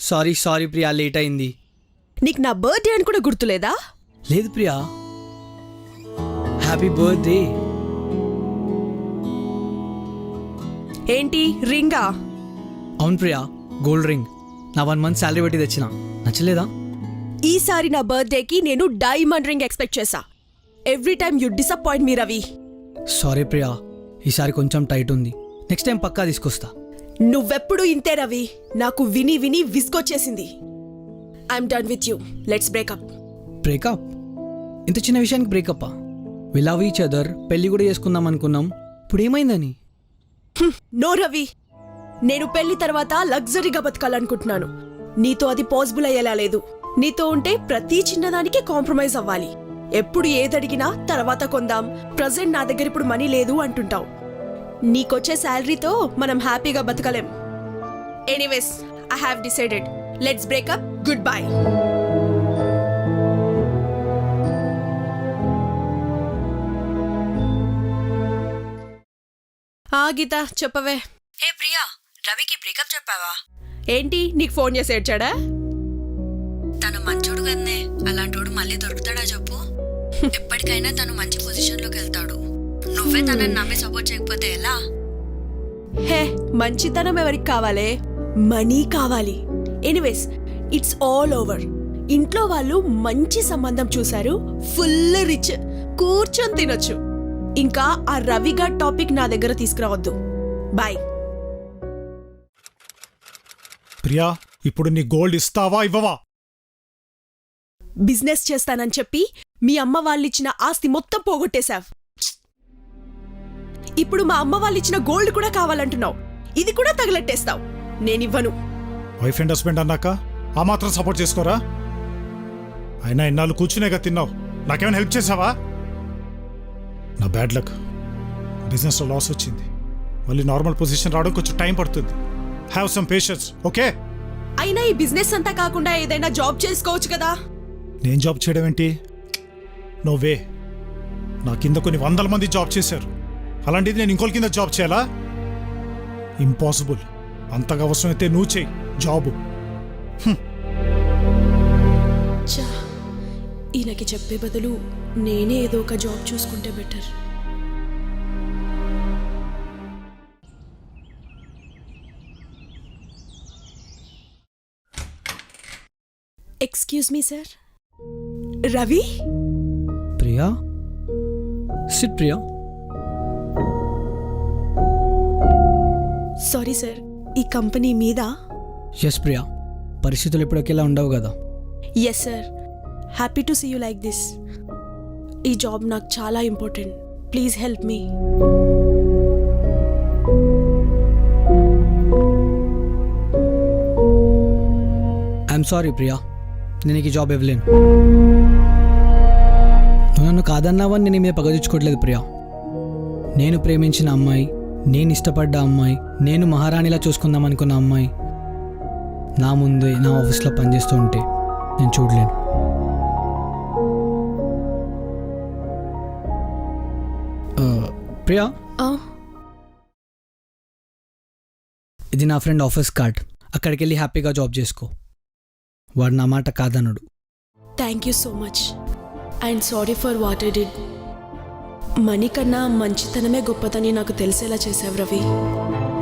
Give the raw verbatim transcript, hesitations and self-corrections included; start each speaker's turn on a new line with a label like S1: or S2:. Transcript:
S1: Sorry sorry Priya, late అయింది.
S2: నీకు నా బర్త్డే అని కూడా గుర్తులేదా?
S1: లేదు ప్రియా. Happy birthday.
S2: ఏంటి రింగా?
S1: అవును ప్రియా, గోల్డ్ రింగ్. నా వన్ మంత్ శాలరీ పెట్టి తెచ్చిన. నచ్చలేదా?
S2: ఈసారి నా బర్త్డేకి నేను డైమండ్ రింగ్ ఎక్స్పెక్ట్ చేశా. Every time you disappoint me Ravi.
S1: Sorry Priya, ఈసారి కొంచెం టైట్ ఉంది. నెక్స్ట్ టైం పక్కా తీసుకొస్తా.
S2: నువ్వెప్పుడు ఇంతే రవి, నాకు విని విని విసుగొచ్చేసింది. I'm done with you, let's breakup.
S1: Breakup? ఇంత చిన్న విషయానికి బ్రేకప్పా? వి లవ్ ఈచ్ అదర్, పెళ్లి కూడా చేసుకుందాం అనుకున్నాం. ఇప్పుడు ఏమైందని?
S2: నో రవి, నేను పెళ్లి తర్వాత లగ్జరీగా బతకాలనుకుంటున్నాను. నీతో అది పాసిబుల్ అయ్యేలా లేదు. నీతో ఉంటే ప్రతి చిన్నదానికి కాంప్రమైజ్ అవ్వాలి. ఎప్పుడు ఏదడిగినా తర్వాత కొందాం, ప్రజెంట్ నా దగ్గర ఇప్పుడు మనీ లేదు అంటుంటావు. నీకొచ్చే శాలరీతో మనం హ్యాపీగా బతకలేం. Anyways, I have decided. Let's breakup. Goodbye. ఆ గీత చెప్పవే.
S3: ఏ ప్రియా, రవికి బ్రేకప్ చెప్పావా?
S2: ఏంటి నీకు ఫోన్ చేసి ఏడ్చాడా?
S3: తను మంచోడు కదనే, అలాంటోడు మళ్ళీ దొరుకుతాడా చెప్పు? ఎప్పటికైనా తను మంచి పొజిషన్ లోకి వెళ్తాడు. నువ్వే తనని నమ్మి సపోర్ట్ చేయకపోతే ఎలా?
S2: హే, మంచితనం ఎవరికి కావాలే? మనీ కావాలి. Anyways, it's all over. ఇంట్లో వాళ్ళు మంచి సంబంధం చూశారు, ఫుల్ రిచ్, కూర్చొని తినొచ్చు. ఇంకా ఆ రవిగా టాపిక్ నా దగ్గర తీసుకురావద్దు. బాయ్.
S4: ప్రియా, ఇప్పుడు నీ గోల్డ్ ఇస్తావా ఇవ్వవా?
S2: బిజినెస్ చేస్తానని చెప్పి మీ అమ్మ వాళ్ళిచ్చిన ఆస్తి మొత్తం పోగొట్టేశావ్. ఇప్పుడు మా అమ్మ వాళ్ళిచ్చిన గోల్డ్ కూడా కావాలంటున్నావు. ఇది కూడా తగలెట్టేస్తావు. నేనివ్వను.
S4: వైఫ్ అండ్ హస్బెండ్ అన్నాక ఆ మాత్రం సపోర్ట్ చేసుకోరా? అయినా ఇన్నాళ్ళు కూర్చునేగా తిన్నావు. నాకేమైనా హెల్ప్ చేసావా? నా బ్యాడ్ లక్, బిజినెస్లో లాస్ వచ్చింది. మళ్ళీ నార్మల్ పొజిషన్ రావడం కొంచెం టైం పడుతుంది. Have some patience, okay?
S2: అయినా ఈ బిజినెస్ అంతా కాకుండా ఏదైనా జాబ్ చేసుకోవచ్చు కదా.
S4: నేను జాబ్ చేయడం ఏంటి? No way. నా కింద కొన్ని వందల మంది జాబ్ చేశారు. అలాంటిది నేను ఇంకోళ్ళ కింద జాబ్ చేయాలా? ఇంపాసిబుల్. అంతగా అవసరమైతే నువ్వు చేయి జాబు.
S2: చా, ఈయనకి చెప్పే బదులు నేనే ఏదో ఒక జాబ్ చూసుకుంటే better. Excuse me sir. Ravi?
S1: Priya, sit Priya.
S2: Sorry sir, ఈ కంపెనీ మీద?
S1: ఎస్ ప్రియా, పరిస్థితులు ఇప్పటికెలా ఉండవు కదా.
S2: Yes sir, happy to see you like this. ఈ జాబ్ నాకు చాలా important. Please help me.
S1: I'm sorry Priya, నేను ఈ జాబ్ ఇవ్వలేను. నువ్వు నన్ను కాదన్నావని నేను మీద పగదించుకోవట్లేదు ప్రియా. నేను ప్రేమించిన అమ్మాయి, నేను ఇష్టపడ్డ అమ్మాయి, నేను మహారాణిలా చూసుకుందాం అనుకున్న అమ్మాయి నా ముందే నా ఆఫీస్లో పనిచేస్తూ ఉంటే నేను చూడలేను. ప్రియా, ఇది నా ఫ్రెండ్ ఆఫీస్ కార్డ్. అక్కడికి వెళ్ళి హ్యాపీగా జాబ్ చేసుకో. వాడు నా మాట కాదన్నాడు.
S2: Thank you so much. And sorry for what I did. Money కన్నా మంచితనమే గొప్పదని నాకు తెలిసేలా చేసావు రవి.